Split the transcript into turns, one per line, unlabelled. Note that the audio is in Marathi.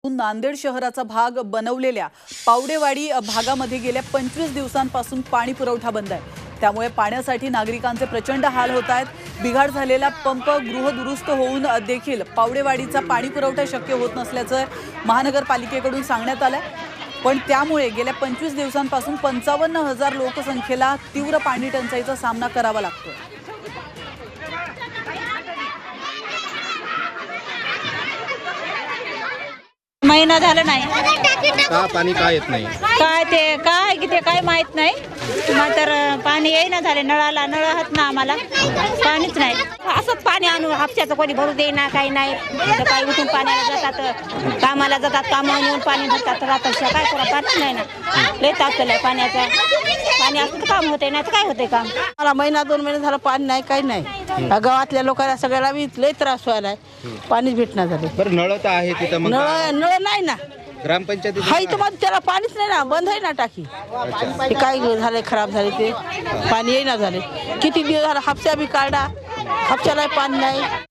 नांदेड शहराचा भाग बनवलेल्या पावडेवाडी भागामध्ये गेल्या 25 दिवसांपासून पाणी पुरवठा बंद आहे। त्यामुळे पाण्यासाठी नागरिकांचे प्रचंड हाल होत आहेत। बिघाड झालेला पंप गृहदुरुस्त होऊन देखील पावडेवाडीचा पाणी पुरवठा शक्य होत नसल्याचं महानगरपालिकेकडून सांगण्यात आलं। पण त्यामुळे गेल्या 25 दिवसांपासून 55,000 लोकसंख्येला तीव्र पाणी टंचाईचा सामना करावा लागतोय।
महिना झाला नाही
का पाणी का येत नाही?
काय ते काय की ते काय माहित नाही। मात्र पाणी येईना झाले, नळाला नळ आहात ना, आम्हाला पाणीच नाही। असंच पाणी आणून हापशाचं कोणी भरू देईना, काही नाही। काही उठून पाण्याला जातात, कामाला जातात, कामावर येऊन पाणी भरतात, राहतात, काय करा, पाणीच नाही ना। लय तापलेलं आहे पाण्याचं। पाणी असं तर काम होते नाही तर काय होते काम।
मला महिना 2 महिने झाला पाणी नाही, काही नाही। गावातल्या लोकांना सगळ्याला लय त्रास व्हायलाय, पाणीच भेटणार झाले।
बरं नळ तर आहे तिथं, मग
नळ नाही ना,
ग्रामपंचायतीत
हाय तर मग त्याला पाणीच नाही ना, बंद आहे ना टाकी। ते काय झाले, खराब झाले, ते पाणी येईना झाले। किती दिवस झाला हापशा बी काढा, हापशाला पाणी नाही।